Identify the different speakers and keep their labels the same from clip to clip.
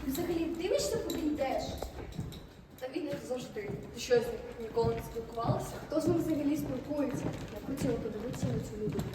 Speaker 1: Ти взагалі дивишся, куди йдеш?
Speaker 2: Та він як завжди. Ти що, з ним ніколи не спілкувалася?
Speaker 1: Хто з ним взагалі спілкується? Я хотіла подивитися на цю людину.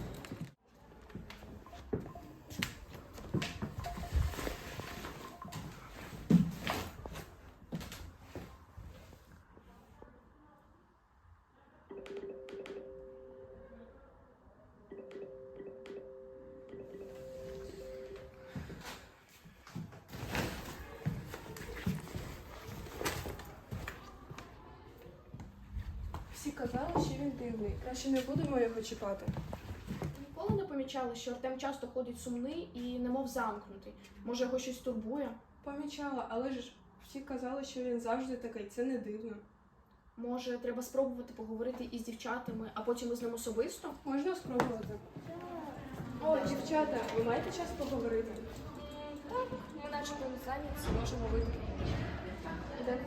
Speaker 3: Всі казали, що він дивний. Краще не будемо його чіпати.
Speaker 4: Ніколи не помічали, що Артем часто ходить сумний і немов замкнутий. Може, його щось турбує?
Speaker 3: Помічала, але ж всі казали, що він завжди такий. Це не дивно.
Speaker 4: Може, треба спробувати поговорити із дівчатами, а потім із ним особисто?
Speaker 3: Можна спробувати. О, дівчата, ви маєте час поговорити?
Speaker 2: Так, ми начебто не зайняті, можемо вийти.
Speaker 4: Ідемо.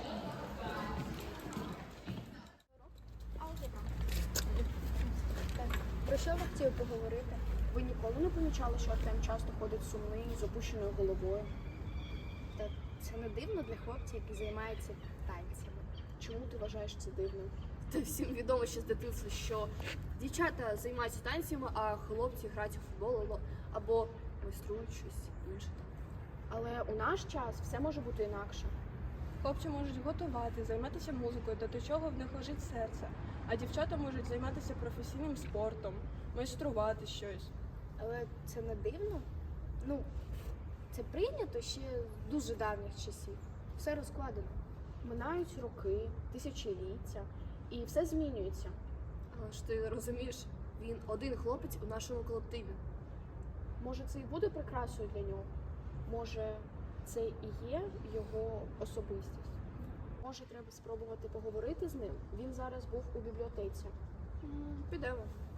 Speaker 4: Про що ви хотіли поговорити? Ви ніколи не помічали, що Артем часто ходить сумний, з опущеною головою?
Speaker 5: Та це не дивно для хлопця, який займається танцями.
Speaker 4: Чому ти вважаєш це дивним?
Speaker 5: Та всім відомо ще з дитинства, що дівчата займаються танцями, а хлопці грають у футбол або майструють щось інше.
Speaker 4: Але у наш час все може бути інакше.
Speaker 3: Хлопці можуть готувати, займатися музикою, та до чого в них лежить серце. А дівчата можуть займатися професійним спортом, майструвати щось.
Speaker 5: Але це не дивно. Ну, це прийнято ще з дуже давніх часів. Все розкладено.
Speaker 4: Минають роки, тисячоліття, і все змінюється.
Speaker 5: Але ж ти розумієш, він один хлопець у нашому колективі.
Speaker 4: Може, це і буде прикрасою для нього? Може, це і є його особистість? Може, треба спробувати поговорити з ним? Він зараз був у бібліотеці.
Speaker 5: Підемо.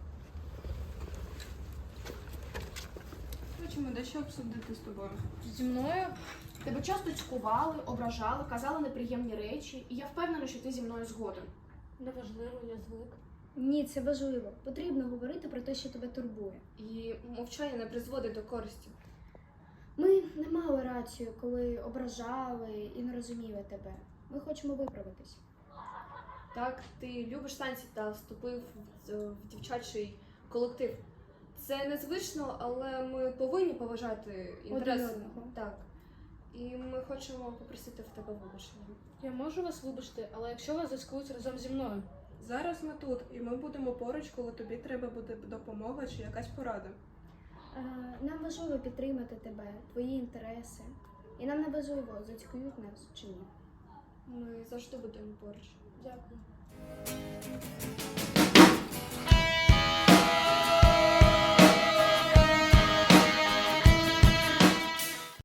Speaker 3: Хочемо дещо обсудити з тобою.
Speaker 4: Зі мною? Тебе часто цькували, ображали, казали неприємні речі, і я впевнена, що ти зі мною згоден.
Speaker 2: Неважливо, я звик.
Speaker 1: Ні, це важливо. Потрібно говорити про те, що тебе турбує.
Speaker 2: І мовчання не призводить до користі.
Speaker 1: Ми не мали рацію, коли ображали і не розуміли тебе. Ми хочемо виправитись.
Speaker 2: Так, ти любиш танці та вступив в дівчачий колектив. Це незвично, але ми повинні поважати інтереси.
Speaker 1: Один одного.
Speaker 2: Так. І ми хочемо попросити в тебе вибачення.
Speaker 6: Я можу вас вибачити, але якщо вас заскують разом зі мною.
Speaker 3: Зараз ми тут, і ми будемо поруч, коли тобі треба буде допомога чи якась порада.
Speaker 1: Нам важливо підтримати тебе, твої інтереси. І нам не важливо, зацькують нас чи ні.
Speaker 2: Ми завжди будемо поруч.
Speaker 6: Дякую.